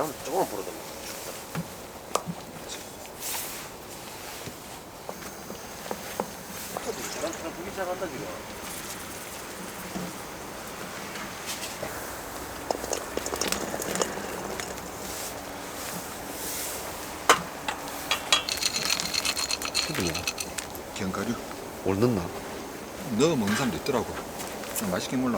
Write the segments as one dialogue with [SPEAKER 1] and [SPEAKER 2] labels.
[SPEAKER 1] 바람 조금만 불어도 사람 불기 시작한다 지금.
[SPEAKER 2] 그거야.
[SPEAKER 3] 견과류
[SPEAKER 2] 뭘 넣나?
[SPEAKER 3] 넣어 먹는 사람도 있더라고. 맛있긴 몰라.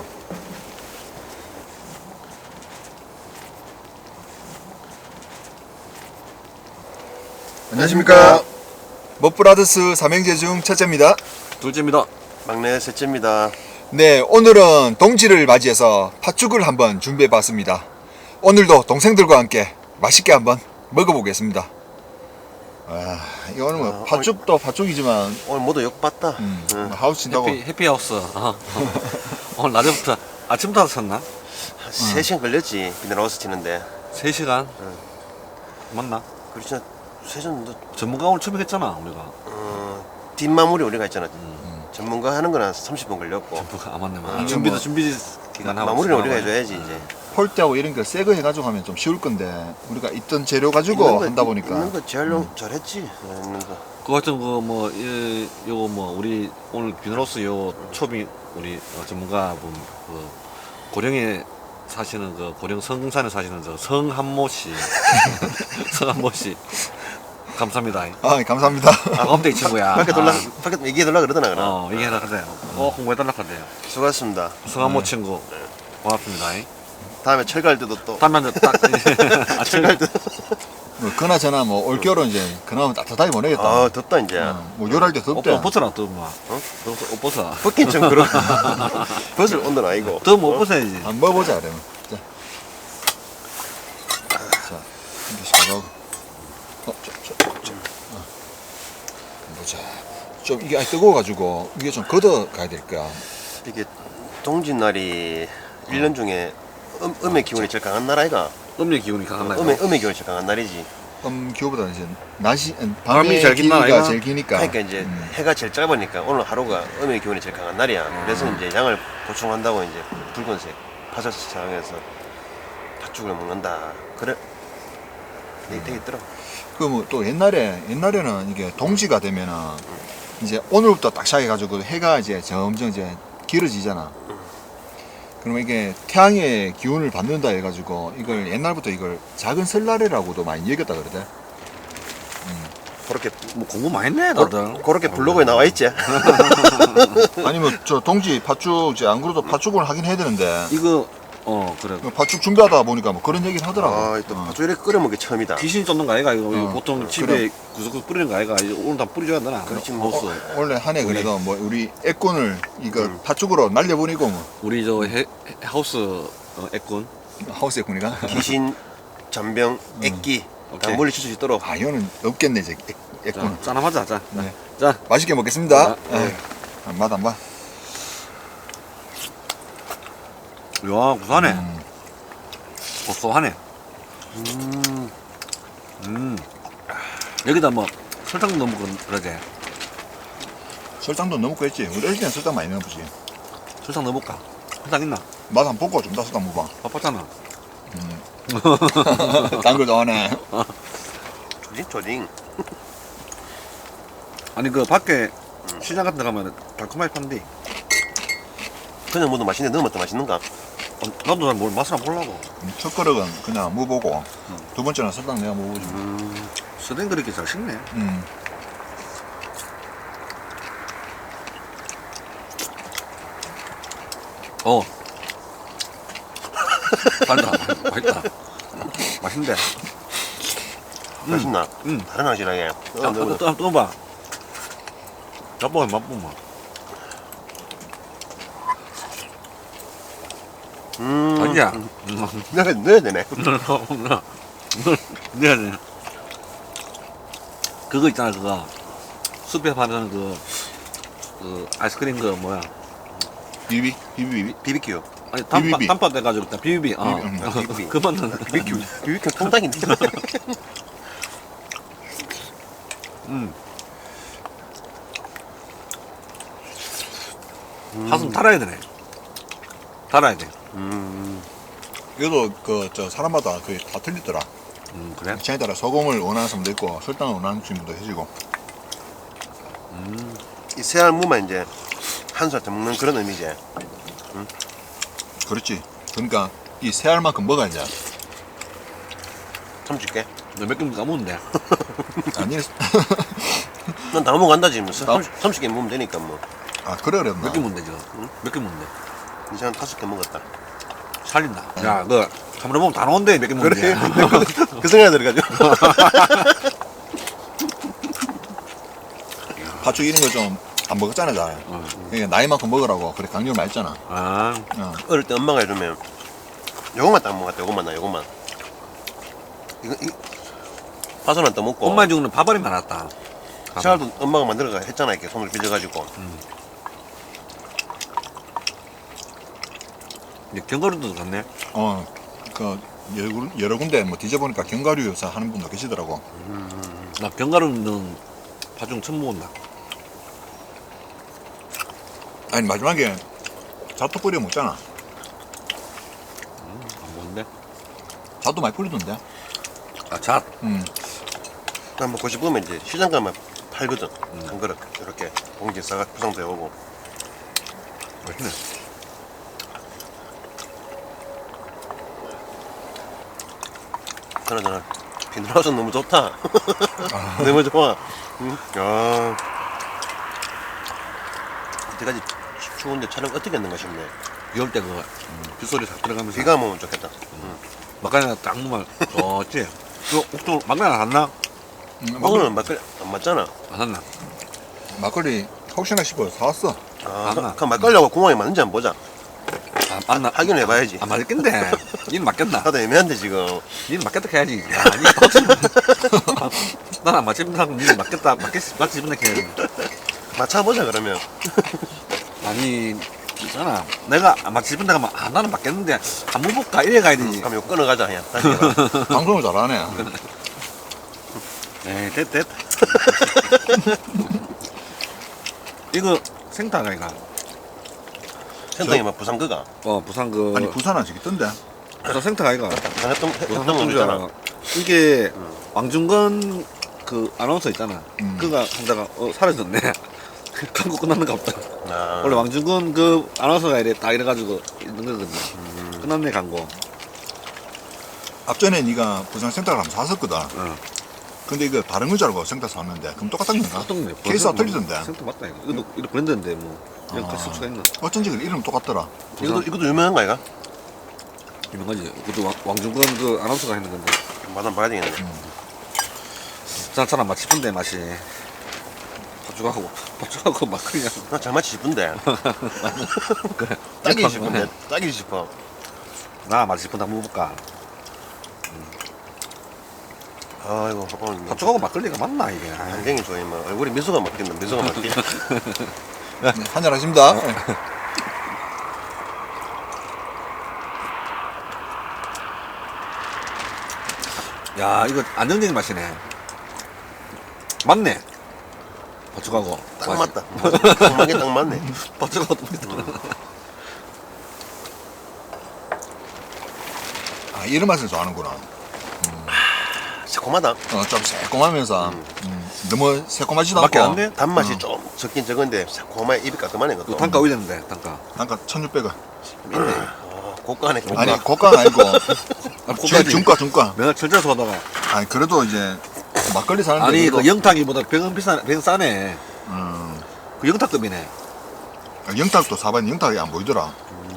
[SPEAKER 3] 안녕하십니까. 먹브라더스 삼형제 중 첫째입니다.
[SPEAKER 2] 둘째입니다.
[SPEAKER 1] 막내 셋째입니다.
[SPEAKER 3] 네, 오늘은 동지를 맞이해서 팥죽을 한번 준비해 봤습니다. 오늘도 동생들과 함께 맛있게 한번 먹어보겠습니다. 아, 이거는 뭐 팥죽도 팥죽이지만
[SPEAKER 1] 오늘 모두 욕 봤다. 응.
[SPEAKER 3] 하우스 친다고.
[SPEAKER 2] 해피하우스. 오늘 낮에부터 아침부터 샀나?
[SPEAKER 1] 3시간 걸렸지 비닐하우스 치는데.
[SPEAKER 2] 3시간? 맞나?
[SPEAKER 1] 그렇지. 3시간
[SPEAKER 2] 전문가 오늘 처음 했잖아 우리가.
[SPEAKER 1] 뒷마무리 우리가 했잖아. 전문가 하는 거는 30분 걸렸고.
[SPEAKER 2] 전문가 안 맞네.
[SPEAKER 3] 이게
[SPEAKER 2] 준비도
[SPEAKER 3] 뭐-
[SPEAKER 2] 준비 기간 하고.
[SPEAKER 1] 마무리는 우리가 해줘야지 이제.
[SPEAKER 3] 폴대하고 이런 거 새 거 해가지고 하면 좀 쉬울 건데 우리가 있던 재료 가지고
[SPEAKER 1] 있는 거-
[SPEAKER 3] 한다 보니까
[SPEAKER 1] 있는 거 제일 잘했지. 있는 거.
[SPEAKER 2] 그 하여튼 그뭐 요거 뭐 우리 오늘 비너로스 요 초빙 우리 전문가 분 그 고령에 사시는 그 고령 성산에 사시는 저 성한모 씨 성한모 씨 감사합니다.
[SPEAKER 3] 아, 감사합니다.
[SPEAKER 2] 아 컴대기 친구야.
[SPEAKER 1] 밖에 밖에 얘기해 달라 그러더나 그럼.
[SPEAKER 2] 얘기해라 그래요. 홍보해달라 그래요.
[SPEAKER 1] 수고하셨습니다.
[SPEAKER 2] 성한모 친구 고맙습니다.
[SPEAKER 1] 다음에 철갈 때도 또.
[SPEAKER 2] 다음에 딱
[SPEAKER 1] 철갈 때.
[SPEAKER 3] 뭐 그나저나 뭐 올겨울은 이제 그나마 따뜻하게 보내겠다.
[SPEAKER 1] 아 덥다 이제.
[SPEAKER 3] 뭐 요럴 때 덥대.
[SPEAKER 2] 옷 벗어라 또 뭐. 옷 벗어.
[SPEAKER 1] 벗긴 좀 그런. 벗을 온도는 아니고.
[SPEAKER 2] 더못 벗어야지.
[SPEAKER 3] 한번 먹어보자 그러면. 자, 한 개씩 가고. 보자. 좀 이게 아직 뜨거워가지고 이게 좀 걷어 가야 될 거야.
[SPEAKER 1] 이게 동짓날이 1년 중에 음의 기운이 제일 강한 날 아이가?
[SPEAKER 2] 음력 기운이 강한 날.
[SPEAKER 1] 음의 기운이 제일 강한 날이지.
[SPEAKER 3] 기후보다 이제 낮이
[SPEAKER 2] 밤이
[SPEAKER 3] 밤이
[SPEAKER 2] 제일 긴 날
[SPEAKER 3] 길이가
[SPEAKER 2] 아이가?
[SPEAKER 3] 제일 기니까.
[SPEAKER 1] 그러니까 이제 해가 제일 짧으니까 오늘 하루가 음의 기운이 제일 강한 날이야. 그래서 이제 양을 보충한다고 이제 붉은색 파절스 사용해서 팥죽을 먹는다. 그래? 되게 있더라.
[SPEAKER 3] 그 뭐 또 옛날에는 이게 동지가 되면은 이제 오늘부터 딱 시작해가지고 해가 이제 점점 이제 길어지잖아. 그러면 이게 태양의 기운을 받는다 해가지고 이걸 옛날부터 이걸 작은 설날이라고도 많이 여겼다 그러대.
[SPEAKER 1] 그렇게
[SPEAKER 2] 뭐 공부 많이 했네 다들.
[SPEAKER 1] 그렇게 블로그에 나와 있지.
[SPEAKER 3] 아니면 저 동지 팥죽 이제 안 그래도 팥죽을 하긴 해야 되는데
[SPEAKER 2] 이거 그래.
[SPEAKER 3] 팥죽 준비하다 보니까 뭐 그런 얘기를 하더라고.
[SPEAKER 1] 또 팥죽 이렇게 끓여 먹기 처음이다.
[SPEAKER 2] 귀신이 쫓는 거 아이가 이거
[SPEAKER 3] 어,
[SPEAKER 2] 보통 집에
[SPEAKER 3] 그래.
[SPEAKER 2] 구석구석 뿌리는 거 아이가 이제 오늘 다 뿌려줘야 되나?
[SPEAKER 1] 그렇지, 뭐.
[SPEAKER 2] 하우스.
[SPEAKER 3] 원래 한 해 그래도 뭐 우리 애꾼을 이거 팥죽으로 날려보내고 뭐
[SPEAKER 2] 우리 저 하우스 애꾼.
[SPEAKER 3] 하우스 애꾼이가.
[SPEAKER 1] 귀신, 잔병, 액기 다
[SPEAKER 2] 오케이.
[SPEAKER 1] 물리칠 수 있도록.
[SPEAKER 3] 아 이거는 없겠네 이제 애꾼.
[SPEAKER 2] 짠 한번 하자. 짠.
[SPEAKER 3] 네.
[SPEAKER 2] 짠.
[SPEAKER 3] 맛있게 먹겠습니다.
[SPEAKER 2] 네.
[SPEAKER 3] 맛 안 봐.
[SPEAKER 2] 야 구수하네. 고소하네. 여기다 뭐 설탕 넣으면 그러지.
[SPEAKER 3] 설탕도 넣어먹고 했지. 우리 어릴 때는 설탕 많이 넣어보지.
[SPEAKER 2] 설탕 넣어볼까? 설탕 있나?
[SPEAKER 3] 맛 한번 보고 좀 다 설탕 먹어봐.
[SPEAKER 2] 바빴잖아.
[SPEAKER 3] 딴 걸 좋아하네.
[SPEAKER 1] 조딩.
[SPEAKER 2] 아니 그 밖에 시장 같은 데 가면 달콤하게 판디.
[SPEAKER 1] 그냥 뭐도 맛있는데 넣으면 더 맛있는가?
[SPEAKER 2] 나도 잘 맛을 안 보려고.
[SPEAKER 3] 첫 그릇은 그냥 먹어보고 두 번째는 설탕 내가 먹어보지.
[SPEAKER 2] 스댕 그렇게 잘 식네. 달다. 맛있다. 맛있는데.
[SPEAKER 1] 맛있나?
[SPEAKER 2] 음.
[SPEAKER 1] 다른 확실하게.
[SPEAKER 2] 또 봐. 맛보마. 아니야.
[SPEAKER 1] 넣어야 되네.
[SPEAKER 2] 내가 네. 그거 있잖아 그거 숲에 파는 그 아이스크림 그 뭐야
[SPEAKER 3] 비비.
[SPEAKER 1] BBQ.
[SPEAKER 2] 아니
[SPEAKER 3] 비비비.
[SPEAKER 2] 단팥 돼가지고 일단 비비비
[SPEAKER 1] 비비비.
[SPEAKER 2] 그만 넣는
[SPEAKER 1] BBQ 통닭인데.
[SPEAKER 2] 가슴 달아야 되네. 달아야 돼.
[SPEAKER 3] 이것도 그 저 사람마다 거의 다 틀리더라.
[SPEAKER 2] 그래?
[SPEAKER 3] 취향에 따라 소금을 원하는 사람도 있고 설탕을 원하는 분도 해주고.
[SPEAKER 1] 이 새알무만 이제 한 살 더 먹는 그런 의미지.
[SPEAKER 3] 그렇지. 그러니까 이 새알만큼 먹어야지.
[SPEAKER 1] 참 줄게.
[SPEAKER 2] 너 몇 개 까먹는데.
[SPEAKER 3] 아니,
[SPEAKER 1] 난 다 먹어간다 지금.
[SPEAKER 3] 나-
[SPEAKER 1] 30개 먹으면 되니까 뭐.
[SPEAKER 3] 아 그래 그랬나?
[SPEAKER 2] 몇 개 먹는데 지금? 몇 개 먹는데?
[SPEAKER 1] 이제 한 5개 먹었다.
[SPEAKER 2] 살린다. 야, 그 한번 먹으면 다 나온대. 몇 개 먹는데?
[SPEAKER 1] 그 생각이 들어가지고.
[SPEAKER 3] 파죽 이런 거 좀 안 먹었잖아, 잘. 그러니까 나이만큼 먹으라고 그래 강요를 많이 했잖아.
[SPEAKER 2] 아,
[SPEAKER 1] 어릴 때 엄마가 해주면 요것만 딱 먹었다. 요것만 나 요것만. 이거 파선은 또 먹고.
[SPEAKER 2] 엄마 중에는 밥알이 많았다.
[SPEAKER 1] 새알도 엄마가 만들어가 했잖아. 이렇게 손을 빚어가지고.
[SPEAKER 2] 이제 견과류도 갔네.
[SPEAKER 3] 그 여러 군데 뭐 뒤져보니까 견과류 요사 하는 분도 계시더라고.
[SPEAKER 2] 나 견과류는 파중 처음 먹었나?
[SPEAKER 3] 아니 마지막에 자투 뿌려 먹잖아.
[SPEAKER 2] 안 먹는데?
[SPEAKER 3] 자투 많이 뿌리던데.
[SPEAKER 2] 아, 잣.
[SPEAKER 1] 난 먹고 싶으면 이제 시장 가면 팔거든. 한 그릇 이렇게 봉지 싸가 포장돼 오고.
[SPEAKER 2] 맛있네.
[SPEAKER 1] 그러잖아. 비누라우스 너무 좋다. 너무 좋아. 응? 야. 이때까지 추운데 촬영 어떻게 했는가 싶네.
[SPEAKER 2] 비 올 때 그 빗소리 싹 들어가면서
[SPEAKER 1] 비가 오면 좋겠다.
[SPEAKER 2] 막간이나 딱 먹으면 좋지. 그 옥도 막간이 안 샀나?
[SPEAKER 1] 오늘은 막걸리 안 맞잖아.
[SPEAKER 2] 안 샀나?
[SPEAKER 3] 막걸리 혹시나 싶어 사왔어.
[SPEAKER 1] 그 막걸리하고 궁합이 맞는지 한번 보자.
[SPEAKER 2] 아, 맞나?
[SPEAKER 1] 확인해봐야지.
[SPEAKER 2] 안 맞겠는데. 니는 맞겠나?
[SPEAKER 1] 나도 애매한데 지금.
[SPEAKER 2] 니는 맞겠다 해야지. 야, 니 확실히. 난안 맞겠다. 니는 맞겠다. 맞지 싶은데 해야지.
[SPEAKER 1] 맞춰보자 그러면.
[SPEAKER 2] 아니, 있잖아. 내가 안 맞지 싶은데 가면, 아, 나는 맞겠는데, 한번 볼까? 이래 가야 되지.
[SPEAKER 1] 그럼 이거 끊어가자 그냥. 다시 해봐.
[SPEAKER 3] 방송을 잘하네.
[SPEAKER 2] 에이, 됐. 이거 생타가 이거.
[SPEAKER 1] 센터에 막 부산 그가.
[SPEAKER 2] 부산 그
[SPEAKER 3] 아니 부산 아직 있던데.
[SPEAKER 2] 부산 생타가 이거.
[SPEAKER 1] 부산 했던
[SPEAKER 2] 부산
[SPEAKER 1] 했던 거
[SPEAKER 2] 합동주야.
[SPEAKER 1] 있잖아.
[SPEAKER 2] 이게 왕중건 그 아나운서 있잖아. 그가 한다가 사라졌네. 광고 끝났는가 보다.
[SPEAKER 1] 아,
[SPEAKER 2] 원래 왕중건 그 아나운서가 이래 딱 이래가지고 있는 거거든. 끝났네 광고.
[SPEAKER 3] 앞전에 네가 부산 센터를 한번 샀었거든.
[SPEAKER 2] 어.
[SPEAKER 3] 근데 이거 다른 건 줄 알고 센터 샀는데 그럼 똑같은 건가?
[SPEAKER 2] 어떤
[SPEAKER 3] 케이스가 틀리던데.
[SPEAKER 2] 생타 맞다 이거. 이것도 이거 브랜드인데 뭐 이거 같이 수가 있나?
[SPEAKER 3] 어쩐지 그 이름 똑같더라.
[SPEAKER 1] 이것도 유명한 거 아이가?
[SPEAKER 2] 유명하지. 그것도 왕중건 그 아나운서가 했는 건데.
[SPEAKER 1] 맛 한번 봐야 되겠네.
[SPEAKER 2] 사람 맛 싶은데 맛이. 밥죽하고 막 그냥.
[SPEAKER 1] 나 잘 맞지 싶은데.
[SPEAKER 2] 그래.
[SPEAKER 1] 딱이지 싶은데. 딱이지 싶어.
[SPEAKER 2] 나 맛 싶은데 한번 먹어볼까?
[SPEAKER 1] 아이고 오늘
[SPEAKER 2] 밥죽하고 막걸리가 맞나 이게? 아이.
[SPEAKER 1] 안경이 좋아요. 뭐 얼굴에 미소가 막힌다. 미소가 막히.
[SPEAKER 3] 네, 한잔 하십니다.
[SPEAKER 2] 야 이거 안정적인 맛이네. 맞네. 밥죽하고.
[SPEAKER 1] 딱 맞다. 정말 딱 맞네.
[SPEAKER 2] 밥죽하고 똑같다.
[SPEAKER 3] 아 이런 맛을 좋아하는구나.
[SPEAKER 1] 새콤하다.
[SPEAKER 3] 좀 새콤하면서 너무 새콤하지도
[SPEAKER 2] 밖에
[SPEAKER 3] 않고.
[SPEAKER 2] 안 돼?
[SPEAKER 1] 단맛이 좀 적긴 적은데 새콤하게 입이 깔끔하네
[SPEAKER 2] 그
[SPEAKER 1] 그것도.
[SPEAKER 2] 단가 올렸는데 단가.
[SPEAKER 3] 단가 1,600원.
[SPEAKER 1] 있네. 고가네. 고가.
[SPEAKER 3] 아니 고가는 아니고
[SPEAKER 2] 고가지.
[SPEAKER 3] 중가.
[SPEAKER 2] 내가 철저해서 하다가
[SPEAKER 3] 아니 그래도 이제 막걸리 사는데
[SPEAKER 2] 아니
[SPEAKER 3] 그래도,
[SPEAKER 2] 그 영탁이보다 병은 병 싸네. 그 영탁급이네.
[SPEAKER 3] 영탁도 사봤는데 영탁이 안 보이더라.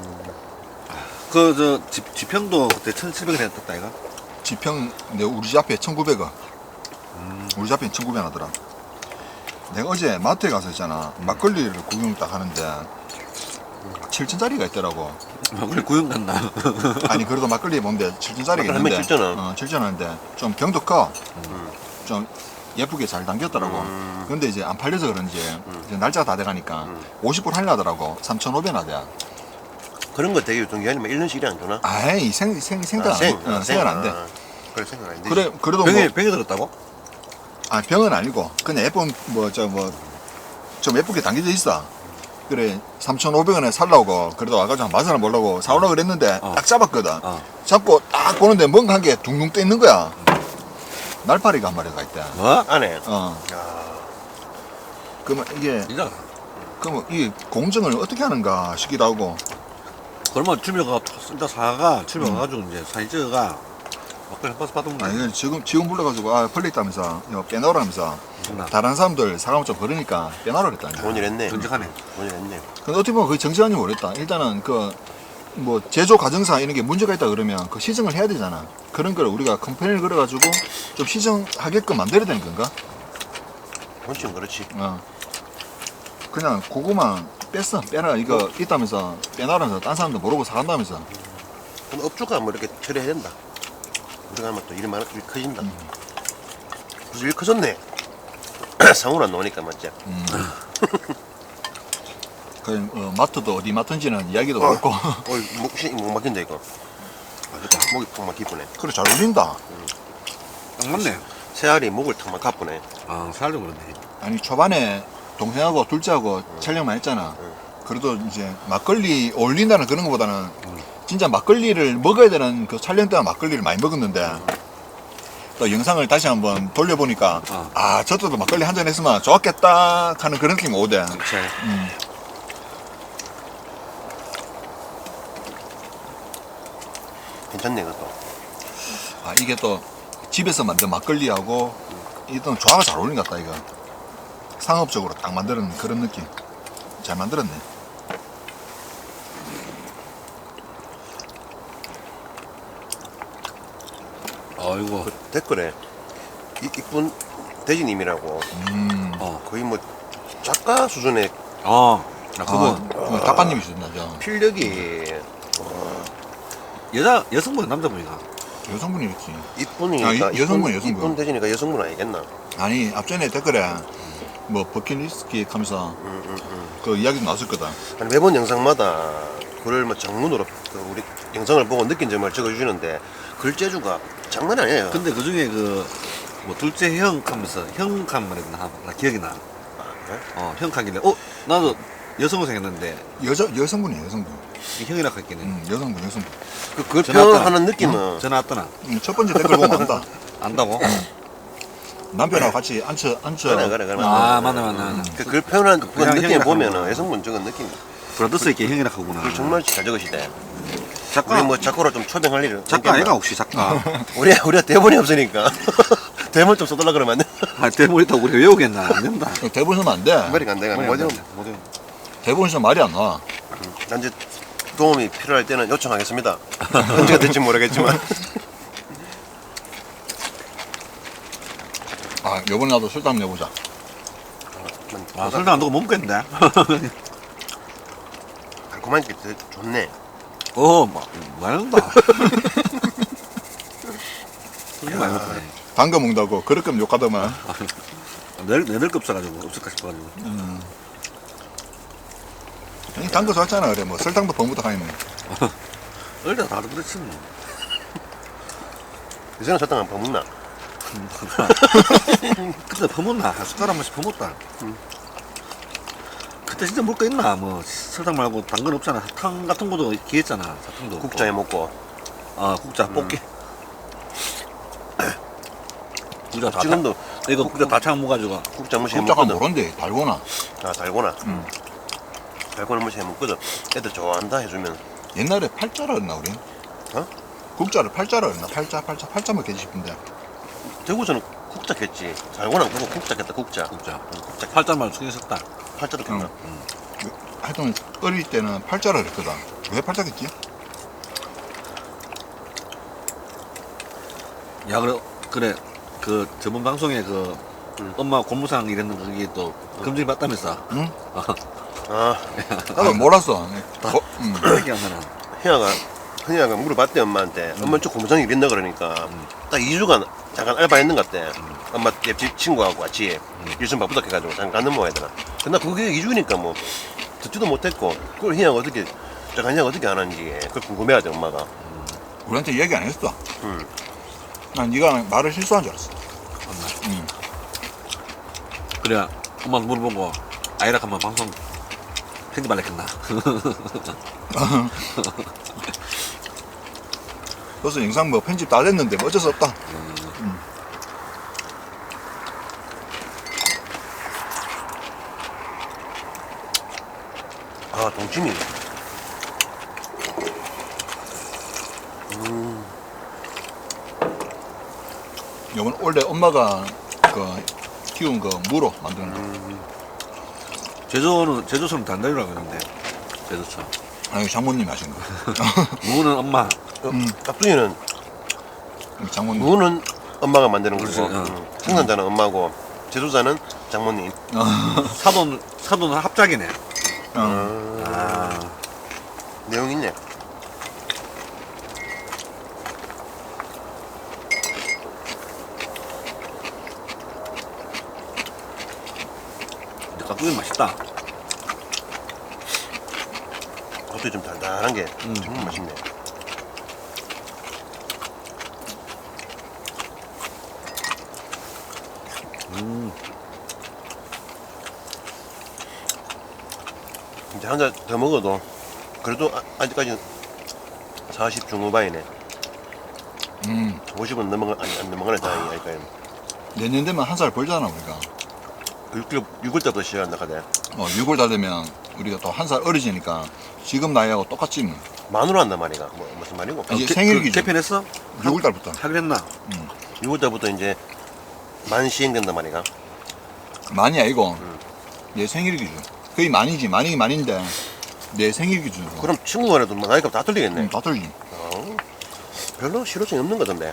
[SPEAKER 2] 그 저 지평도 그때 1,700원 했었다 이가.
[SPEAKER 3] 지평 내 우리 집 앞에 1,900원. 우리 집 앞에 1,900원 하더라. 내가 어제 마트에 가서 있잖아. 막걸리를 구경 딱 하는데 7,000짜리가 있더라고.
[SPEAKER 2] 그래 구형 갔나?
[SPEAKER 3] 아니 그래도 막걸리 뭔데 7,000짜리가
[SPEAKER 1] 막걸리
[SPEAKER 3] 있는데
[SPEAKER 1] 7,000원.
[SPEAKER 3] 7,000원인데 좀 병도 커. 좀 예쁘게 잘 담겼더라고. 근데 이제 안 팔려서 그런지 이제 날짜가 다 돼가니까 50불 할려더라고. 3,500원 하대.
[SPEAKER 1] 그런 거 되게 유통기한이 뭐 1년씩이 안 주나?
[SPEAKER 3] 아이 생각 생각 안 돼.
[SPEAKER 1] 그래 생각 안 돼.
[SPEAKER 3] 그래 그래도
[SPEAKER 2] 병에
[SPEAKER 3] 뭐
[SPEAKER 2] 들었다고?
[SPEAKER 3] 병은 아니고 그냥 예쁜 좀 예쁘게 담겨져 있어. 그래 3,500원에 살라고 그래도 와가지고 한 맛을 보려고 사오려고 그랬는데
[SPEAKER 2] 어.
[SPEAKER 3] 딱 잡았거든. 잡고 딱 보는데 뭔가 한 개 둥둥 떠 있는 거야. 날파리가 한 마리가 있대.
[SPEAKER 2] 뭐?
[SPEAKER 1] 안에.
[SPEAKER 3] 어.
[SPEAKER 1] 야,
[SPEAKER 3] 그러면 이게
[SPEAKER 2] 진짜.
[SPEAKER 3] 그러면 이 공정을 어떻게 하는가 싶기도 하고.
[SPEAKER 2] 그러면 집에가 진짜 사가 집에 가가지고 이제 사진 찍어가 막걸리 한 버스 받으면
[SPEAKER 3] 아 이거 지금 불러가지고 아 걸려 있다면서 이거 빼놓으라면서
[SPEAKER 2] 된다.
[SPEAKER 3] 다른 사람들 사가면 좀 그러니까 빼놓으라 그랬다.
[SPEAKER 1] 좋은 일 했네.
[SPEAKER 2] 정직하네.
[SPEAKER 1] 좋은 일 했네.
[SPEAKER 3] 근데 어떻게 보면 그게 정직한지 모르겠다. 일단은 그 뭐 제조 과정상 이런 게 문제가 있다 그러면 그 시정을 해야 되잖아. 그런 걸 우리가 컴플레인을 걸어가지고 좀 시정하게끔 만들어야 되는 건가?
[SPEAKER 1] 본칙은 그렇지.
[SPEAKER 3] 어. 그냥 그거만 빼라 이거 있다면서 빼놔라면서 딴 사람도 모르고 사간다면서.
[SPEAKER 1] 근데 업주가 뭐 이렇게 처리해야 된다. 우리가 하면 또 일이 많아, 일이 커진다. 그래서 일 커졌네. 상호를 안 나오니까 맞지?
[SPEAKER 3] 그 마트도 어디 마트인지는 이야기도 없고.
[SPEAKER 1] 목 막힌다 이거. 목이 턱 막히쁘네.
[SPEAKER 3] 그래 잘 어울린다.
[SPEAKER 2] 딱 맞네.
[SPEAKER 1] 새알이 목을 턱 막아쁘네.
[SPEAKER 2] 아 살도 그렇네.
[SPEAKER 3] 아니 초반에 동생하고 둘째하고 촬영만 했잖아. 그래도 이제 막걸리 어울린다는 그런 것보다는 진짜 막걸리를 먹어야 되는 그 촬영 때만 막걸리를 많이 먹었는데 또 영상을 다시 한번 돌려보니까 아 저때도 막걸리 한 잔 했으면 좋았겠다 하는 그런 느낌이 오대.
[SPEAKER 2] 그치.
[SPEAKER 1] 괜찮네 그것도.
[SPEAKER 3] 아 이게 또 집에서 만든 막걸리하고 이건 조화가 잘 어울린 것 같다 이거. 상업적으로 딱 만드는 그런 느낌. 잘 만들었네.
[SPEAKER 2] 아이고.
[SPEAKER 1] 그 댓글에 이쁜 대지님이라고 거의 뭐 작가 수준의
[SPEAKER 2] 아 그분
[SPEAKER 3] 작가님이시던데 저
[SPEAKER 1] 필력이
[SPEAKER 2] 여성분 남자분이가.
[SPEAKER 3] 여성분이겠지.
[SPEAKER 1] 이쁜이니까
[SPEAKER 3] 아, 여성분, 여성분.
[SPEAKER 1] 이쁜 대지니까 여성분 아니겠나?
[SPEAKER 3] 아니 앞전에 댓글에 뭐 버킷리스트 하면서 그 이야기도 나왔을 거다.
[SPEAKER 1] 아니, 매번 영상마다 글을 뭐 장문으로 그 우리 영상을 보고 느낀 점을 적어주시는데 글재주가 장난 아니에요.
[SPEAKER 2] 근데 그 중에 그 뭐 둘째 형 하면서 형칸 말했나 나 기억이 나.
[SPEAKER 1] 그래?
[SPEAKER 2] 형 칸길래 나도 여성으로 생겼는데
[SPEAKER 3] 여성분이에요 여성분.
[SPEAKER 2] 이 형이라 했겠네.
[SPEAKER 3] 여성분.
[SPEAKER 1] 그
[SPEAKER 2] 전화 왔더나.
[SPEAKER 1] 표현하는 느낌은
[SPEAKER 2] 전화 왔더나.
[SPEAKER 3] 첫 번째 댓글 보면 안다.
[SPEAKER 2] 안다고?
[SPEAKER 3] 남편하고 같이 앉혀.
[SPEAKER 1] 그래.
[SPEAKER 2] 아 맞네.
[SPEAKER 1] 글 표현하는 그
[SPEAKER 2] 그냥
[SPEAKER 1] 느낌
[SPEAKER 2] 형이라
[SPEAKER 1] 보면은
[SPEAKER 2] 하구나.
[SPEAKER 1] 여성분 적은 느낌.
[SPEAKER 2] 브라더스 있게 형이라 하구나.
[SPEAKER 1] 글 정말 잘 적으시대.
[SPEAKER 2] 작가
[SPEAKER 1] 우리 뭐 작고로 좀 초빙할 일을
[SPEAKER 2] 작가 아이가 혹시 작가?
[SPEAKER 1] 우리가 대본이 없으니까 대본 좀 써달라 그러면 안 돼.
[SPEAKER 2] 아 대본 있다고 우리 외우겠나? 안 된다.
[SPEAKER 3] 대본 쓰면 안 돼.
[SPEAKER 1] 머리가 안 돼가 뭐죠?
[SPEAKER 3] 대본 쓰면 말이 안 나와.
[SPEAKER 1] 난 이제 도움이 필요할 때는 요청하겠습니다. 언제가 될지 모르겠지만.
[SPEAKER 3] 아 요번에 나도 술 한번 내보자.
[SPEAKER 2] 아 설탕 안 넣고 못 먹겠는데?
[SPEAKER 1] 달콤한 게 되게 좋네.
[SPEAKER 2] 많이 넣는다. 술 많이 먹네.
[SPEAKER 3] 방금 먹는다고 그렇게 욕하더만.
[SPEAKER 2] 내들 껍사가지고 없을까 싶어가지고.
[SPEAKER 3] 형이 단 거 좋았잖아 그래 뭐 설탕도 버무다 하니 뭐.
[SPEAKER 2] 어릴 때 다들 그렇지 뭐.
[SPEAKER 1] 요새는 설탕 안 퍼먹나?
[SPEAKER 2] 그때 퍼먹나? 한 숟가락 한 번씩 퍼먹다. 그때 진짜 먹을 거 있나? 뭐 설탕 말고 단 건 없잖아. 사탕 같은 것도 기했잖아. 사탕도 없고.
[SPEAKER 1] 국자에 먹고.
[SPEAKER 2] 국자 뽑기. 국자 다
[SPEAKER 1] 지금도
[SPEAKER 2] 이거 국자 다 창 먹어가지고.
[SPEAKER 1] 국자 무시해
[SPEAKER 3] 국자가
[SPEAKER 1] 먹거든.
[SPEAKER 3] 뭐런데 달고나.
[SPEAKER 1] 아 달고나. 달고나 무시해 먹거든. 애들 좋아한다 해주면.
[SPEAKER 3] 옛날에 팔자라 했나 우리?
[SPEAKER 1] 어?
[SPEAKER 3] 국자를 팔자라 했나? 팔자 먹겠지 싶은데.
[SPEAKER 1] 대구에서는 국자겠지. 달고나 그거 국자겠다 국자.
[SPEAKER 2] 국자.
[SPEAKER 1] 국자.
[SPEAKER 2] 팔자만 신경 썼다.
[SPEAKER 1] 팔자도 겠나?
[SPEAKER 3] 하여튼 어릴 때는 팔자라 그랬거든. 왜 팔자겠지?
[SPEAKER 2] 야 그래 그 저번 방송에 그 엄마 고무상 이랬는 그게 또 검증이 받다면서.
[SPEAKER 3] 응?
[SPEAKER 1] 아
[SPEAKER 3] 나도 몰랐어.
[SPEAKER 2] 그렇게 하면은.
[SPEAKER 1] 현이가 물어봤대 엄마한테. 엄마 저 고무장이 이랬나 그러니까 딱 2주간 잠깐 알바했는 것 같대. 엄마 옆집 친구하고 같이 일선 바쁘다 해가지고 잠깐 넘어가야 되나. 근데 그게 2주니까 뭐 듣지도 못했고 그걸 현이가 어떻게 잠깐 현이가 어떻게 안 하는지 그걸 궁금해하대 엄마가.
[SPEAKER 3] 우리한테 얘기 안 했어.
[SPEAKER 1] 응.
[SPEAKER 3] 난 네가 말을 실수한 줄 알았어.
[SPEAKER 2] 그래 엄마 물어보고 아이라 한번 방송 편집할랬겠나.
[SPEAKER 3] 그래서 영상 뭐 편집 다 됐는데 뭐 어쩔 수 없다.
[SPEAKER 1] 아, 동치미.
[SPEAKER 3] 이건 원래 엄마가 그 키운 그 무로 만드는 거.
[SPEAKER 2] 제주처럼 단단이라고 하는데 제주처럼.
[SPEAKER 3] 아니 장모님이 하신 거.
[SPEAKER 2] 무는 엄마.
[SPEAKER 1] 깍두기는
[SPEAKER 3] 장모님.
[SPEAKER 1] 무는 엄마가 만드는 거고
[SPEAKER 2] 그렇지,
[SPEAKER 1] 생산자는 엄마고 제조자는 장모님.
[SPEAKER 2] 사돈 합작이네.
[SPEAKER 3] 어.
[SPEAKER 1] 내용 있네.
[SPEAKER 2] 근데 깍두기 맛있다.
[SPEAKER 1] 겉이 좀 달달한 게 정말 맛있네. 이제 한 잔 더 먹어도 그래도 아직까지 40 중후반이네. 50은 안 넘어가는 상황이니까.
[SPEAKER 3] 내년 되면 한 살 벌잖아 우리가.
[SPEAKER 1] 6월 때부터 시작한다 카대.
[SPEAKER 3] 6월 다 되면 우리가 또 한 살 어리지니까 지금 나이하고 똑같지 뭐.
[SPEAKER 1] 만으로 한단 말이가. 무슨 말이고?
[SPEAKER 3] 이제 생일 기준.
[SPEAKER 2] 개편했어?
[SPEAKER 3] 6월 달부터.
[SPEAKER 2] 하긴 했나?
[SPEAKER 1] 6월 때부터 이제 만 시행된단 말이가.
[SPEAKER 3] 많이 아니고 내 생일 기준. 거의 많이지. 많이긴 많인데 내 생일 기준.
[SPEAKER 1] 그럼 친구 간에도 나이가 다 틀리겠네.
[SPEAKER 3] 다 틀리지.
[SPEAKER 1] 별로 실효성이 없는 거던데.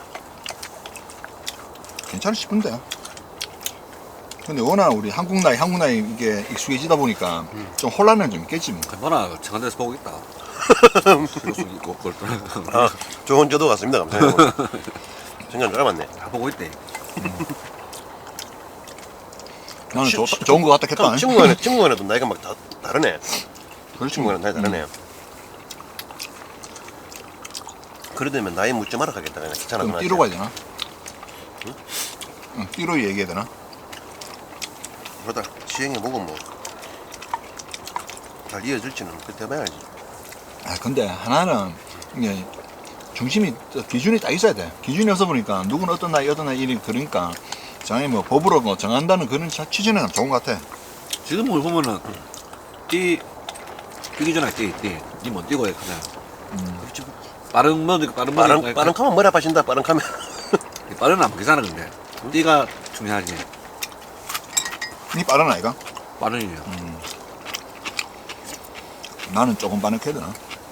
[SPEAKER 3] 괜찮을 싶은데. 근데 워낙 우리 한국 나이 이게 익숙해지다 보니까 좀 혼란은 좀 있겠지 뭐.
[SPEAKER 2] 뭐나 청와대에서 보고 있다. 실효성 있고 그걸
[SPEAKER 1] 아, 좋은 저도 같습니다. 감사해요. 생각 줄 알았네.
[SPEAKER 2] 다 보고 있대.
[SPEAKER 3] 나는 좋은 거 같다 했다.
[SPEAKER 1] 친구 간에도 나이가 막 다르네.
[SPEAKER 3] 그렇지.
[SPEAKER 1] 친구 간에 나이 다르네. 그러다면 나이 묻지 마라 하겠다. 그냥 귀찮아.
[SPEAKER 3] 그럼 띠로 가야 되나? 응, 띠로 얘기해야 되나?
[SPEAKER 1] 그러다 시행해보고 뭐 잘 이어질지는 그때 봐야지.
[SPEAKER 3] 아 근데 하나는 이게 중심이 기준이 딱 있어야 돼. 기준이 없어 보니까 누구는 어떤 나이 이리 그러니까 장애 뭐 법으로 뭐 정한다는 그런 취지는 좋은 것 같아.
[SPEAKER 2] 지금 뭘 보면은 뛰기 전에 니못 뛰고 해 그냥. 빠른
[SPEAKER 1] 빠른 카면 머리 아파진다. 빠른 카면.
[SPEAKER 2] 빠른 안 보기잖아 근데. 뛰가 중요하지.
[SPEAKER 3] 니 빠른 아이가?
[SPEAKER 2] 빠른이야.
[SPEAKER 3] 나는 조금 빠르게 해야 되나?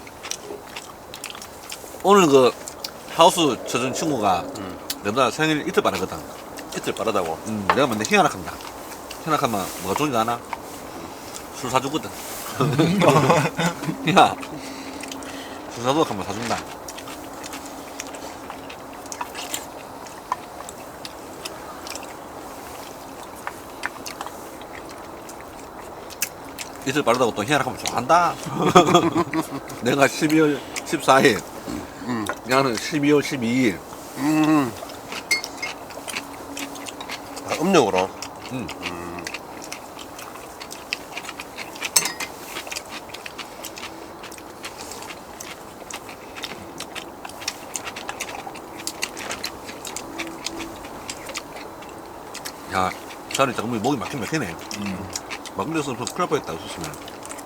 [SPEAKER 2] 오늘 그 하우스 쳐준 친구가 내보다 생일 이틀 빠르거든.
[SPEAKER 1] 이틀 빠르다고.
[SPEAKER 2] 내가 맨날 희한학한다. 희한학하면 뭐가 좋은지 아나? 술 사주거든. 야, 술 사주고 하면 사준다. 이틀 빠르다고 또 희한하면 좋아한다. 내가 12월 14일, 나는 12월 12일.
[SPEAKER 1] 아, 음력으로.
[SPEAKER 2] 야, 차라리 정말 목이 막힌 막히네. 막걸리였으면 큰일 날 뻔했다, 없었으면.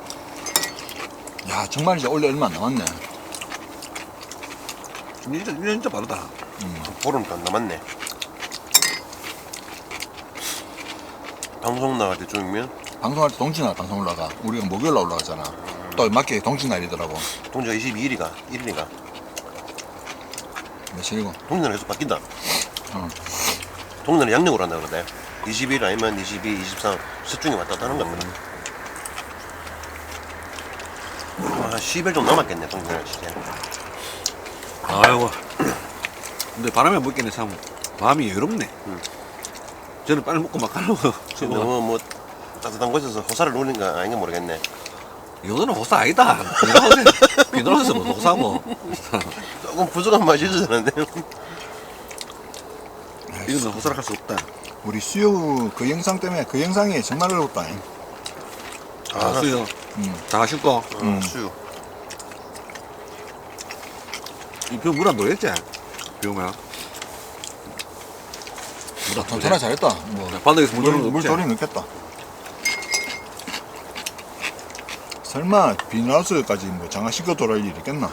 [SPEAKER 3] 야 정말 이제 원래 얼마 안 남았네.
[SPEAKER 2] 진짜, 1년 진짜 빠르다.
[SPEAKER 1] 보름도 안 남았네. 방송 나갈 때쯤이면
[SPEAKER 3] 방송할 때 동지날 방송 올라가. 우리가 목요일 날 올라가잖아. 또 맞게 동지날이더라고.
[SPEAKER 1] 동지가 22일이가 1일이가
[SPEAKER 3] 며칠이고.
[SPEAKER 1] 동지날 계속 바뀐다.
[SPEAKER 3] 어.
[SPEAKER 1] 동지날 양력으로 한다 그러대. 20일 아니면 22, 23 셋 중에 왔다 갔다 하는 거 같거든. 아, 10일 좀 남았겠네 동지날 진짜.
[SPEAKER 2] 아이고. 근데 바람에 못 있겠네, 참. 마음이 여롭네. 저는 빨리 먹고 막 가려고.
[SPEAKER 1] 너무 뭐 따뜻한 곳에서 호사를 누리는 거 아닌가 모르겠네.
[SPEAKER 2] 이거는 호사 아니다. 비너스에서 뭐 호사고.
[SPEAKER 1] 조금 부족한 맛이 있었는데.
[SPEAKER 2] 이거는 호사를 할 수 없다.
[SPEAKER 3] 우리 수요 그 영상 때문에 그 영상이 정말 어렵다.
[SPEAKER 2] 아, 수요. 다 신고.
[SPEAKER 1] 수유.
[SPEAKER 2] 이거 물안 돌렸지? 비오면.
[SPEAKER 3] 전화 잘했다. 뭐
[SPEAKER 2] 반대에서 물 돌리는 거
[SPEAKER 3] 물
[SPEAKER 2] 없지?
[SPEAKER 3] 돌이 넣겠다. 설마 비닐하우스까지 뭐 장화시켜 돌아올 일이 있겠나?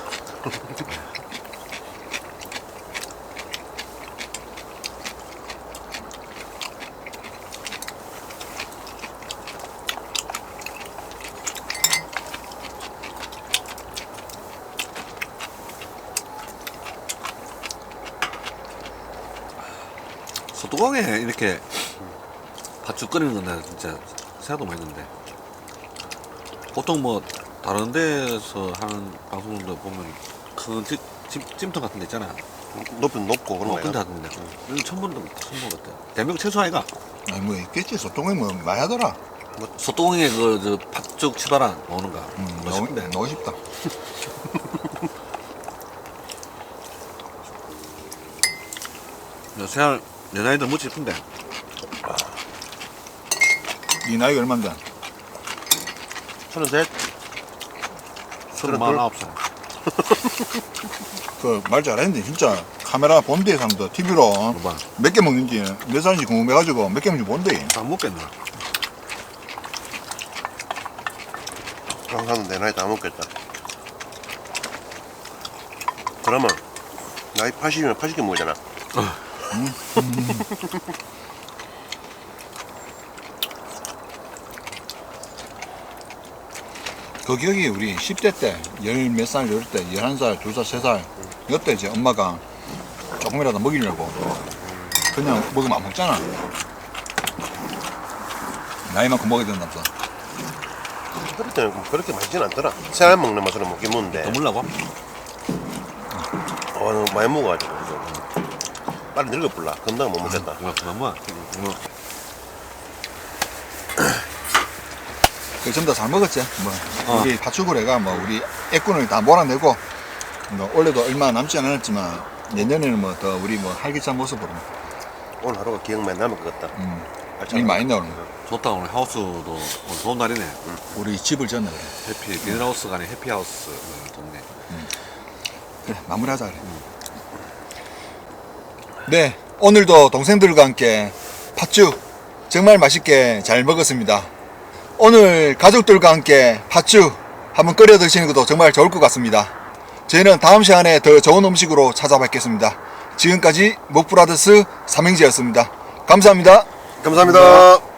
[SPEAKER 2] 소뚜껑에 이렇게 팥죽 끓이는 건데 진짜 생각도 많이 했는데 보통 뭐 다른 데서 하는 방송들 보면 큰 찜통 같은 데 있잖아.
[SPEAKER 1] 높고 그런
[SPEAKER 2] 근데
[SPEAKER 1] 거야.
[SPEAKER 2] 하던데 여기 처음 본 것 같아. 대한민국 최소 아이가
[SPEAKER 3] 아니 뭐 있겠지. 소통이 뭐 많이 하더라.
[SPEAKER 2] 소뚜껑에 그 팥죽 치바라 먹는 거
[SPEAKER 3] 너무
[SPEAKER 2] 멋있는데.
[SPEAKER 3] 너무 쉽다.
[SPEAKER 2] 생활 내 나이도 묻지 싶은데
[SPEAKER 3] 이 나이가 얼만데?
[SPEAKER 1] 33?
[SPEAKER 2] 39살.
[SPEAKER 3] 그 말 잘했는데 진짜 카메라 본 데에 사람들 TV로
[SPEAKER 2] 봐.
[SPEAKER 3] 몇 개 먹는지 몇 살인지 궁금해가지고 몇 개 먹는지 본대.
[SPEAKER 2] 안 먹겠나?
[SPEAKER 1] 항상 내 나이 다 먹겠다. 그러면 나이 80이면 80개 먹잖아.
[SPEAKER 3] 그 기억이 우리 10대 때, 열 몇 살, 이럴 때, 11살, 2살, 3살, 이때 이제 엄마가 조금이라도 먹이려고 그냥 먹으면 안 먹잖아. 나이만큼 먹어야 된다면서.
[SPEAKER 1] 그럴 때는 그렇게 맛있진 않더라. 새알 먹는 맛으로 먹긴 먹는데.
[SPEAKER 2] 더 물라고?
[SPEAKER 1] 너무 많이 먹어가지고. 빨리 늙어불라. 금방 못 먹겠다.
[SPEAKER 2] 그만 뭐.
[SPEAKER 3] 그 전부 다 잘 먹었지. 뭐 우리 팥죽을 해가 뭐 우리 애꾼을 다 몰아내고 뭐 올해도 얼마 남지 않았지만 내년에는 뭐 더 우리 뭐 활기찬 모습으로
[SPEAKER 1] 오늘 하루가 기억 많이 남을 것 같다.
[SPEAKER 3] 일 많이 나오는 거.
[SPEAKER 2] 좋다. 오늘 하우스도 오늘 좋은 날이네.
[SPEAKER 3] 우리 집을 지었네 그래.
[SPEAKER 2] 해피 비닐하우스가 아닌 해피하우스 좋네.
[SPEAKER 3] 그래 마무리하자 그래. 네 오늘도 동생들과 함께 팥죽 정말 맛있게 잘 먹었습니다. 오늘 가족들과 함께 팥죽 한번 끓여 드시는 것도 정말 좋을 것 같습니다. 저희는 다음 시간에 더 좋은 음식으로 찾아뵙겠습니다. 지금까지 먹브라더스 삼행제였습니다. 감사합니다.
[SPEAKER 1] 감사합니다.